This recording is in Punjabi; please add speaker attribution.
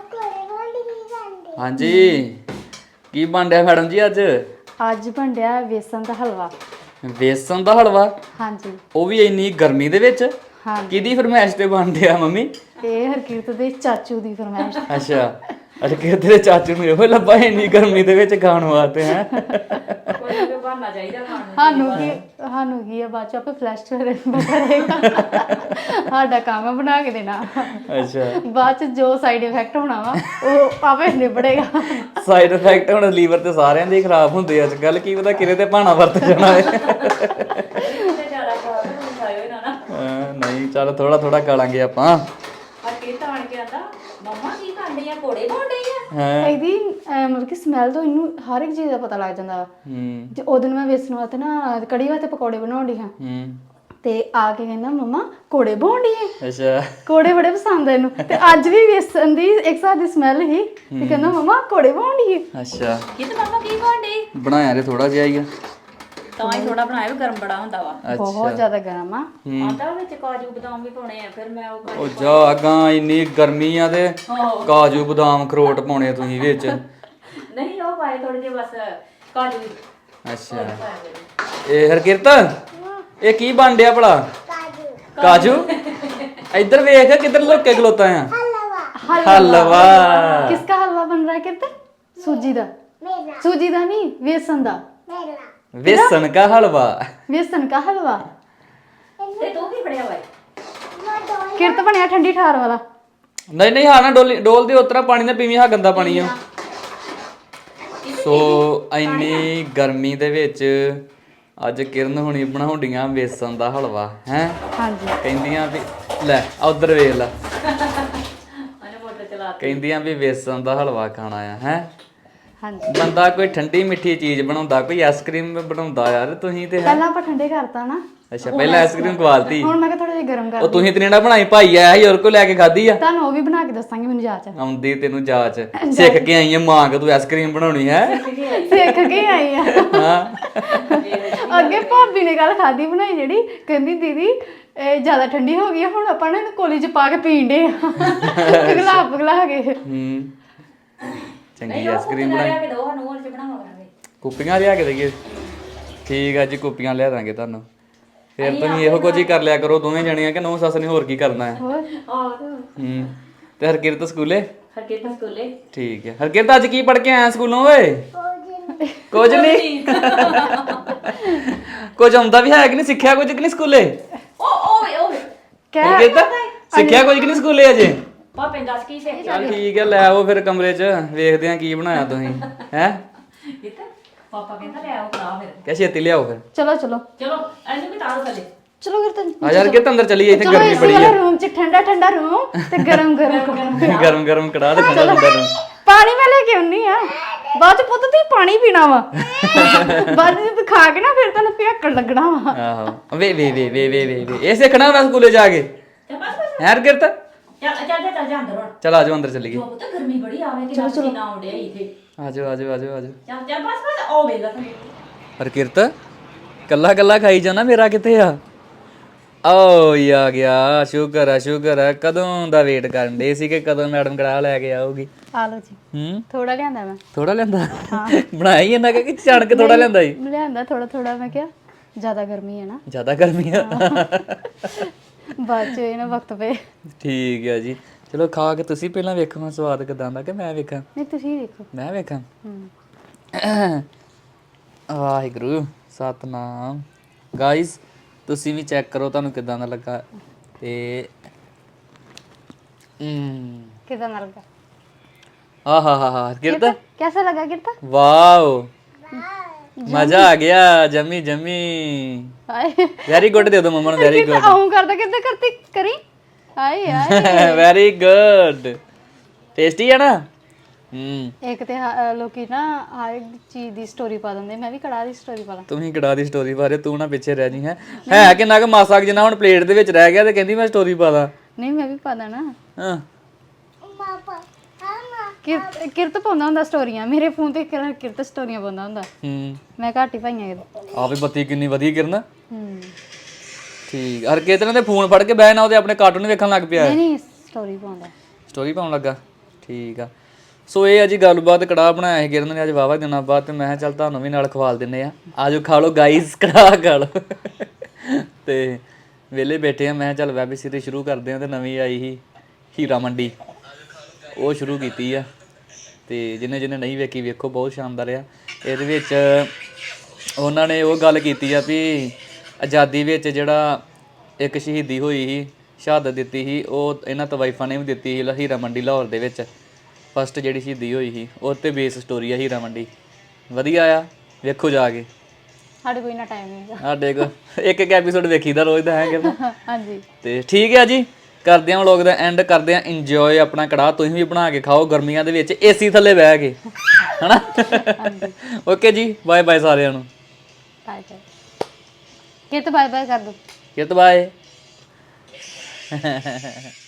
Speaker 1: ਹਾਂਜੀ ਕੀ ਬਣ ਰਿਹਾ ਮੈਡਮ ਜੀ
Speaker 2: ਅੱਜ ਬਣ ਰਿਹਾ ਵੇਸਣ ਦਾ ਹਲਵਾ।
Speaker 1: ਵੇਸਣ ਦਾ ਹਲਵਾ?
Speaker 2: ਹਾਂਜੀ।
Speaker 1: ਉਹ ਵੀ ਇੰਨੀ ਗਰਮੀ ਦੇ ਵਿੱਚ?
Speaker 2: ਹਾਂਜੀ।
Speaker 1: ਕਿਹਦੀ ਫਰਮਾਇਸ਼ ਤੇ ਬਣ ਰਿਹਾ ਮੰਮੀ?
Speaker 2: ਇਹ ਹਰਕੀਰਤ ਦੇ ਚਾਚੂ ਦੀ ਫਰਮਾਇਸ਼।
Speaker 1: ਅੱਛਾ ਅੱਛਾ, ਕਿ ਤੇਰੇ ਚਾਚੂ ਨੂੰ ਇਹੋ ਲੱਭਾ ਇੰਨੀ ਗਰਮੀ ਦੇ ਵਿੱਚ ਖਾਣ ਵਾਸਤੇ ਹੈ?
Speaker 3: ਕੋਈ ਨਾ ਬਹਾਨਾ ਚਾਹੀਦਾ ਖਾਣ ਨੂੰ।
Speaker 2: ਸਾਨੂੰ ਕੀ ਆ, ਬਾਅਦ ਚ ਆਪੇ ਫਲੈਸ਼ ਕਰੇਗਾ। ਸਾਡਾ ਕੰਮ ਆ ਬਣਾ ਕੇ ਦੇਣਾ।
Speaker 1: ਅੱਛਾ,
Speaker 2: ਬਾਅਦ ਚ ਜੋ ਸਾਈਡ ਇਫੈਕਟ ਹੋਣਾ ਵਾ ਉਹ ਆਪੇ ਨਿਬੜੇਗਾ।
Speaker 1: ਸਾਈਡ ਇਫੈਕਟ ਹੁਣ ਲੀਵਰ ਤੇ ਸਾਰਿਆਂ ਦੇ ਹੀ ਖਰਾਬ ਹੁੰਦੇ ਅੱਜ ਕੱਲ, ਕੀ ਪਤਾ ਕਿਹਦੇ ਤੇ ਭਾਣਾ ਵਰਤ ਜਾਣਾ ਹੈ।
Speaker 3: ਜ਼ਿਆਦਾ ਖਾਇਓ ਨਾ ਨਾ।
Speaker 1: ਨਹੀਂ ਚੱਲ ਥੋੜਾ ਥੋੜਾ ਖਾ ਲਾਂਗੇ ਆਪਾਂ।
Speaker 3: ਅੱਗੇ ਤਾਂ ਆਣ ਕੇ ਆਂਦਾ ਮੰਮਾ ਕੀ ਕਰਦੇ ਆ, ਕੋੜੇ ਬਣਦੇ ਆ।
Speaker 1: ਹਾਂ
Speaker 2: ਇਹਦੀ ਮਤਲਬ ਕਿ ਸਮੈਲ ਤੋਂ ਇਹਨੂੰ ਹਰ ਇੱਕ ਚੀਜ਼ ਦਾ ਪਤਾ ਲੱਗ ਜਾਂਦਾ ਵਾ। ਜੇ ਉਦੋਂ ਮੈਂ ਵੇਸਣ ਵਾਸਤੇ ਨਾ ਕੜੀ ਵਾਸਤੇ ਪਕੌੜੇ ਬਣਾਉਣ ਡਈ ਹਾਂ ਤੇ ਆ ਕੇ ਕਹਿੰਦਾ ਮੰਮਾ ਕੋੜੇ ਬਣਾਉਣ ਡਈ ਹੈ।
Speaker 1: ਅੱਛਾ,
Speaker 2: ਕੋੜੇ ਬੜੇ ਪਸੰਦ ਆ ਇਹਨੂੰ। ਤੇ ਅੱਜ ਵੀ ਵੇਸਣ ਦੀ ਇੱਕ ਸਾਥ ਦੀ ਸਮੈਲ ਸੀ ਤੇ ਕਹਿੰਦਾ ਮੰਮਾ ਕੋੜੇ ਬਣਾਉਣ ਡਈ ਹੈ।
Speaker 1: ਅੱਛਾ
Speaker 3: ਕਿਤੇ ਮੰਮਾ ਕੀ ਬਣਦੇ?
Speaker 1: ਬਣਾਇਆ ਤੇ ਥੋੜਾ ਜਿਹਾ ਹੀ ਆ,
Speaker 3: ਤਾਂ ਹੀ ਥੋੜਾ ਬਣਾਇਆ ਵੀ ਗਰਮ ਬੜਾ ਹੁੰਦਾ ਵਾ।
Speaker 2: ਬਹੁਤ ਜ਼ਿਆਦਾ ਗਰਮ ਆ।
Speaker 3: ਆਂਦਾ ਵਿੱਚ ਕਾਜੂ ਬਦਾਮ ਵੀ ਪਾਉਣੇ ਆ, ਫਿਰ ਮੈਂ ਉਹ
Speaker 1: ਉਹ ਜਾ ਅਗਾਂ ਇੰਨੀ ਗਰਮੀ ਆ ਤੇ ਕਾਜੂ ਬਦਾਮ ਅਖਰੋਟ ਪਾਉਣੇ ਤੁਸੀਂ ਵਿੱਚ?
Speaker 3: ਨਹੀਂ ਉਹ ਪਾਏ ਥੋੜੇ ਜਿਹੇ ਬਸ ਕਾਜੂ।
Speaker 1: ਅੱਛਾ ਇਹ ਹਰਕਿਰਤ ਇਹ ਕੀ ਬਣ ਡਿਆ ਭਲਾ? ਕਾਜੂ? ਇੱਧਰ ਵੇਖ ਕਿੱਧਰ ਲੁੱਕ ਕੇ ਖਲੋਤਾ ਆ। ਹਲਵਾ।
Speaker 2: किसका हलवा बन रहा है कहते? सूजी दा। सूजी दा नहीं, बेसन दा।
Speaker 1: ਵੇਸਣ ਕਾ ਹਲਵਾ।
Speaker 2: बेसन का हलवा।
Speaker 3: ਤੇ ਤੂੰ ਕੀ ਫੜਿਆ ਵਾ?
Speaker 2: किरत बनया ठंडी ठार वाला।
Speaker 1: ਨਹੀਂ ਨਹੀਂ ਹਾਂ ਨਾ ਡੋਲ ਦੇ ਉਤਰਾ ਪਾਣੀ ਨਾ ਪੀਵੀਂ, ਹਾਂ ਗੰਦਾ ਪਾਣੀ ਆ। ਸੋ ਇੰਨੀ ਗਰਮੀ ਦੇ ਵਿੱਚ ਅੱਜ ਕਿਰਨ ਹੁਣੀ ਬਣਾਉਂਦੀਆਂ ਵੇਸਣ ਦਾ ਹਲਵਾ ਹੈ।
Speaker 2: ਹਾਂਜੀ।
Speaker 1: ਕਹਿੰਦੀਆਂ ਵੀ ਲੈ ਉਧਰ ਵੇਖ ਲੈ,
Speaker 3: ਉਹਨੇ ਮੋਟਰ ਚਲਾ
Speaker 1: ਕਹਿੰਦੀਆਂ ਵੀ ਵੇਸਣ ਦਾ ਹਲਵਾ ਖਾਣਾ ਆ ਹੈ।
Speaker 2: ਹਾਂਜੀ।
Speaker 1: ਬੰਦਾ ਕੋਈ ਠੰਡੀ ਮਿੱਠੀ ਚੀਜ਼ ਬਣਾਉਂਦਾ, ਕੋਈ ਆਈਸਕ੍ਰੀਮ ਬਣਾਉਂਦਾ ਯਾਰ, ਤੁਸੀਂ ਤੇ ਹੈ।
Speaker 2: ਪਹਿਲਾਂ ਆਪਾਂ ਠੰਡੇ ਕਰਤਾ ਨਾ,
Speaker 1: ਅੱਛਾ ਪਹਿਲਾਂ ਆਈਸਕ੍ਰੀਮ ਖਵਾਲਤੀ।
Speaker 2: ਹੁਣ ਮੈਂ ਕਿਹਾ ਥੋੜਾ ਜਿਹਾ ਗਰਮ
Speaker 1: ਉਹ
Speaker 2: ਕਰ।
Speaker 1: ਤੁਸੀਂ ਤੇ ਜਿਹੜਾ ਬਣਾਈ ਭਾਈ ਆਇਆ ਸੀ, ਹੋਰ ਕੋ ਲੈ ਕੇ ਖਾਧੀ ਆ?
Speaker 2: ਤੁਹਾਨੂੰ ਉਹ ਵੀ ਬਣਾ ਕੇ ਦੱਸਾਂਗੀ ਮੈਨੂੰ ਜਾਚ।
Speaker 1: ਆਉਂਦੀ ਤੈਨੂੰ ਜਾਚ, ਸਿੱਖ ਕੇ ਆਈ ਆ ਮਾਂ ਕਿ ਤੂੰ ਆਈਸਕ੍ਰੀਮ ਬਣਾਉਣੀ ਹੈ।
Speaker 2: ਸਿੱਖ ਕੇ ਆਈ ਆ।
Speaker 1: ਹਾਂ
Speaker 2: ਅੱਗੇ ਭਾਬੀ ਨੇ ਕੱਲ ਖਾਦੀ ਬਣਾਈ ਜਿਹੜੀ, ਕਹਿੰਦੀ ਦੀਦੀ ਇਹ ਜ਼ਿਆਦਾ ਠੰਡੀ ਹੋ ਗਈ ਆ, ਹੁਣ ਆਪਾਂ ਨੇ ਇਹਨੂੰ ਕੋਲੀ ਚ ਪਾ ਕੇ ਪੀਣ ਦੇ ਆ। ਪਿਘਲਾ ਕੇ।
Speaker 1: ਚੰਗੀ ਆਈਸਕ੍ਰੀਮ ਬਣਾਈ।
Speaker 3: ਲਿਆ ਕੇ ਦੋ ਸਾਨੂੰ, ਹੋਰ ਚ ਬਣਾਵਾ ਕਰਾਂਗੇ।
Speaker 1: ਕੁੱਪੀਆਂ ਲਿਆ ਕੇ ਦੇਈਏ? ਠੀਕ ਆ ਜੀ, ਕੁੱਪੀਆਂ ਲਿਆ ਦਾਂਗੇ ਤੁਹਾਨੂੰ। ਫਿਰ ਤੁਸੀਂ ਇਹੋ ਕੁਝ ਹੀ ਕਰ ਲਿਆ ਕਰੋ ਦੋਵੇਂ ਜਣੀਆਂ, ਕਿ ਨੌ ਸੱਸ ਨੇ ਹੋਰ ਕੀ ਕਰਨਾ ਹੈ।
Speaker 2: ਹੋਰ
Speaker 1: ਤੇ ਹਰਕਿਰਤ ਸਕੂਲੇ?
Speaker 3: ਹਰਕਿਰਤ ਸਕੂਲੇ।
Speaker 1: ਠੀਕ ਹੈ। ਹਰਕਿਰਤ ਅੱਜ ਕੀ ਪੜ ਕੇ ਆਇਆ ਸਕੂਲੋਂ ਓਏ? ਕੁਝ ਨਹੀਂ। ਕੁਝ ਆਉਂਦਾ ਵੀ ਹੈ ਕਿ ਨਹੀਂ? ਸਿੱਖਿਆ ਕੁਝ ਕਿ ਨਹੀਂ ਸਕੂਲੇ?
Speaker 3: ਓਏ
Speaker 1: ਹਰਕਿਰਤ ਸਿੱਖਿਆ ਕੁਝ ਕਿ ਨਹੀਂ ਸਕੂਲੇ ਅਜੇ?
Speaker 3: ਪਾਪੇ ਦੱਸ ਕੀ ਸਿੱਖ
Speaker 1: ਚੱਲ ਠੀਕ ਹੈ, ਲੈ ਆਓ ਫਿਰ ਕਮਰੇ 'ਚ, ਵੇਖਦੇ ਆ ਕੀ ਬਣਾਇਆ ਤੁਸੀਂ ਹੈ।
Speaker 3: ਕਿਤੇ ਪਾਪਾ ਕਹਿੰਦਾ ਲੈ ਆਓ ਖਾ ਫਿਰ।
Speaker 1: ਕਹਿ ਛੇਤੀ ਲਿਆਓ ਫਿਰ।
Speaker 2: ਚਲੋ ਚਲੋ
Speaker 3: ਚਲੋ ਇਹਨੂੰ ਵੀ ਤਾਰੋ ਥੱਲੇ।
Speaker 2: ਚਲੋ ਕਿਰਤ
Speaker 1: ਆ ਯਾਰ ਕਿ ਅੰਦਰ ਚਲੀਏ, ਇੱਥੇ ਗਰਮੀ ਬੜੀ ਹੈ।
Speaker 2: ਰੂਮ ਚ ਠੰਡਾ ਠੰਡਾ ਰੂਮ ਤੇ ਗਰਮ
Speaker 1: ਗਰਮ ਗਰਮ ਕੜਾ ਤੇ ਠੰਡਾ ਠੰਡਾ ਨੂੰ।
Speaker 2: ਪਾਣੀ ਮੈਂ ਲੈ ਕੇ ਆਉਣੀ ਆ, ਬਾਅਦ ਚ ਪੁੱਤ ਤੁਸੀਂ ਪਾਣੀ ਪੀਣਾ ਵਾ। ਬਾਅਦ ਚ ਖਾ ਕੇ ਨਾ ਫਿਰ ਤੁਹਾਨੂੰ ਭਿਆਕਣ ਲੱਗਣਾ ਵਾ।
Speaker 1: ਆਹੋ ਵੇ ਵੇ ਵੇ ਵੇ ਵੇ ਵੇ ਇਹ ਸਿੱਖਣਾ ਹੁੰਦਾ ਸਕੂਲੇ ਜਾ ਕੇ ਹੈ ਹਰਕਿਰਤ?
Speaker 3: ਚੱਲ ਜਾ ਅੰਦਰ ਹੁਣ।
Speaker 1: ਚਲ ਆਜੋ ਅੰਦਰ ਚੱਲੀਏ।
Speaker 3: ਪੁੱਤ ਗਰਮੀ ਬੜੀ ਆਵੇ ਕਿ ਨਾ ਨਾ ਆਉਂਦੇ ਇੱਥੇ।
Speaker 1: ਆਜੋ ਆਜੋ ਆਜੋ ਆਜੋ।
Speaker 3: ਚੱਲ ਬਸ ਉਹ ਵੇਲਾ ਤੂੰ।
Speaker 1: ਹਰਕਿਰਤ ਕੱਲਾ ਕੱਲਾ ਖਾਈ ਜਾਣਾ, ਮੇਰਾ ਕਿੱਥੇ ਆ? ਓ ਆ ਗਿਆ, ਸ਼ੁਕਰ ਆ। ਕਦੋਂ ਦਾ ਵੇਟ ਕਰਨ ਦੇ ਸੀ ਕਿ ਕਦੋਂ ਮੈਡਮ ਕੜਾ ਲੈ ਕੇ ਆਊਗੀ।
Speaker 2: ਆ ਲੋ ਜੀ। ਥੋੜਾ ਲਿਆਂਦਾ ਮੈਂ।
Speaker 1: ਥੋੜਾ ਲੈਂਦਾ? ਬਣਾਇਆ ਹੀ ਇਹਨਾਂ ਕਿ ਚਣ ਕੇ ਥੋੜਾ ਲੈਂਦਾ ਸੀ?
Speaker 2: ਲਿਆਂਦਾ ਥੋੜਾ ਥੋੜਾ, ਮੈਂ ਕਿਹਾ ਜ਼ਿਆਦਾ ਗਰਮੀ ਹੈ ਨਾ।
Speaker 1: ਜ਼ਿਆਦਾ ਗਰਮੀ ਆ?
Speaker 2: ਬਾਅਦ ਚ ਇਹ ਨਾ ਵਕਤ ਪਏ।
Speaker 1: ਠੀਕ ਹੈ ਜੀ, ਚਲੋ ਖਾ ਕੇ ਤੁਸੀਂ ਪਹਿਲਾਂ ਵੇਖੋ ਸਵਾਦ ਕਿਦਾਂ ਦਾ, ਕਿ ਮੈਂ ਵੇਖਾਂ?
Speaker 2: ਨਹੀਂ ਤੁਸੀਂ ਦੇਖੋ।
Speaker 1: ਮੈਂ ਵੇਖਾਂ? ਵਾਹਿਗੁਰੂ ਸਤਨਾਮ। ਗਾਇਸ ਤੁਸੀਂ ਵੀ ਚੈੱਕ ਕਰੋ ਤੁਹਾਨੂੰ ਕਿਦਾਂ ਦਾ ਲੱਗਾ ਤੇ
Speaker 2: ਕਿਦਾਂ ਦਾ ਲੱਗਾ?
Speaker 1: ਆਹਾ ਕਿਰਤ
Speaker 2: कैसा लगा किरता?
Speaker 1: ਵਾਓ ਮਜ਼ਾ ਆ ਗਿਆ, ਜਮੀ ਜਮੀ।
Speaker 2: हाय
Speaker 1: ਵੈਰੀ ਗੁੱਡ ਦੇ ਦੋ ਮੰਮਾ ਨੂੰ, ਵੈਰੀ ਗੁੱਡ।
Speaker 2: ਆਉਂ ਕਰਦਾ ਕਿੱਦਾਂ ਕਰਤੀ ਕਰੀ। ਹਾਏ ਹਾਏ
Speaker 1: ਵੈਰੀ ਗੁੱਡ। ਟੇਸਟੀ ਹੈ ਨਾ?
Speaker 2: ਇੱਕ ਤੇ ਲੋਕੀ ਨਾ ਹਰ ਇੱਕ ਚੀਜ਼ ਦੀ ਸਟੋਰੀ ਪਾ ਦਿੰਦੇ, ਮੈਂ ਵੀ ਕੜਾਹ ਦੀ ਸਟੋਰੀ ਪਾ ਲਾਂ।
Speaker 1: ਤੁਸੀਂ ਕੜਾ ਦੀ ਸਟੋਰੀ ਬਾਰੇ ਤੂੰ ਨਾ ਪਿੱਛੇ ਰਹਿ ਜੀ ਹੈ ਕਿੰਨਾ ਕੁ ਮਾਸਾ ਜਿੰਨਾ ਹੁਣ ਪਲੇਟ ਦੇ ਵਿੱਚ ਰਹਿ ਗਿਆ ਤੇ ਕਹਿੰਦੀ ਮੈਂ ਸਟੋਰੀ ਪਾ ਦਾਂ।
Speaker 2: ਨਹੀਂ ਮੈਂ ਵੀ ਪਾ ਦੇਣਾ।
Speaker 1: ਹਾਂ
Speaker 2: ਕਿਰਤ ਪਾਉਂਦਾ ਹੁੰਦਾ ਸਟੋਰੀਆਂ, ਮੇਰੇ ਫੋਨ ਤੇ ਕਿਰਤ ਸਟੋਰੀਆਂ ਪਾਉਂਦਾ ਹੁੰਦਾ। ਮੈਂ ਘੱਟ ਹੀ ਪਾਈਆਂ ਕਿਤੇ।
Speaker 1: ਆ ਵੀ ਬੱਤੀ ਕਿੰਨੀ ਵਧੀਆ ਕਿਰਨ। ਠੀਕ। ਹਰ ਕਿਤੇ ਦੇ ਫੋਨ ਫੜ ਕੇ ਬਹਿ ਨਾ ਉਹਦੇ ਆਪਣੇ ਕਾਰਟੂਨ ਵੇਖਣ ਲੱਗ ਪਿਆ।
Speaker 2: ਨਹੀਂ ਸਟੋਰੀ ਪਾਉਂਦਾ।
Speaker 1: ਸਟੋਰੀ ਪਾਉਣ ਲੱਗਾ? ਠੀਕ ਆ। ਸੋ ਇਹ ਆ ਜੀ ਗੱਲਬਾਤ। ਕੜਾਹ ਬਣਾਇਆ ਸੀ ਕਿਰਨ ਨੇ ਅੱਜ ਵਾਵਾ ਦਿਨਾਂ ਬਾਅਦ, ਤੇ ਮੈਂ ਕਿਹਾ ਚੱਲ ਤੁਹਾਨੂੰ ਵੀ ਨਾਲ ਖਵਾਲ ਦਿੰਨੇ ਆ। ਆਜੋ ਖਾ ਲਓ ਗਾਈਜ਼, ਕੜਾਹ ਖਾ ਲਓ। ਤੇ ਵਿਹਲੇ ਬੈਠੇ ਆ, ਮੈਂ ਕਿਹਾ ਚੱਲ ਵੈਬ ਸੀਰੀਜ਼ ਸ਼ੁਰੂ ਕਰਦੇ ਆ। ਤੇ ਨਵੀਂ ਆਈ ਸੀ ਹੀਰਾ ਮੰਡੀ, ਉਹ ਸ਼ੁਰੂ ਕੀਤੀ ਆ। ਤੇ ਜਿਹਨੇ ਨਹੀਂ ਵੇਖੀ ਵੇਖੋ, ਬਹੁਤ ਸ਼ਾਨਦਾਰ ਆ। ਇਹਦੇ ਵਿੱਚ ਉਹਨਾਂ ਨੇ ਉਹ ਗੱਲ ਕੀਤੀ ਆ ਵੀ ਆਜ਼ਾਦੀ ਵਿੱਚ ਜਿਹੜਾ ਇੱਕ ਸ਼ਹੀਦੀ ਹੋਈ ਸੀ, ਸ਼ਹਾਦਤ ਦਿੱਤੀ ਸੀ, ਉਹ ਇਹਨਾਂ ਤਵਾਈਫਾਂ ਨੇ ਵੀ ਦਿੱਤੀ ਸੀ ਹੀਰਾ ਮੰਡੀ ਲਾਹੌਰ ਦੇ ਵਿੱਚ। ਫਸਟ ਜਿਹੜੀ ਸ਼ਹੀਦੀ ਹੋਈ ਸੀ ਉਹ 'ਤੇ ਬੇਸ ਸਟੋਰੀ ਆ ਹੀਰਾ ਮੰਡੀ। ਵਧੀਆ ਆ, ਵੇਖੋ ਜਾ ਕੇ।
Speaker 2: ਸਾਡੇ ਕੋਈ ਨਾ ਟਾਈਮ ਨਹੀਂ
Speaker 1: ਸਾਡੇ ਕੋਲ ਇੱਕ ਐਪੀਸੋਡ ਵੇਖੀਦਾ ਰੋਜ਼ ਦਾ ਹੈ ਕਿ
Speaker 2: ਹਾਂਜੀ।
Speaker 1: ਤੇ ਠੀਕ ਹੈ ਜੀ, ਕਰਦੇ ਹਾਂ ਵਲੋਗ ਦਾ ਐਂਡ, ਕਰਦੇ ਹਾਂ ਇੰਜੋਏ ਆਪਣਾ ਕੜਾਹ। ਤੁਸੀਂ ਵੀ ਬਣਾ ਕੇ ਖਾਓ ਗਰਮੀਆਂ ਦੇ ਵਿੱਚ ਏਸੀ ਥੱਲੇ ਬਹਿ ਕੇ, ਹਨਾ। ਓਕੇ ਜੀ, ਬਾਏ ਬਾਏ ਸਾਰਿਆਂ ਨੂੰ।
Speaker 2: Bye bye. ਕਿਤੇ ਬਾਏ ਬਾਏ ਕਰ ਦੋ।
Speaker 1: ਕਿਤ ਬਾਏ।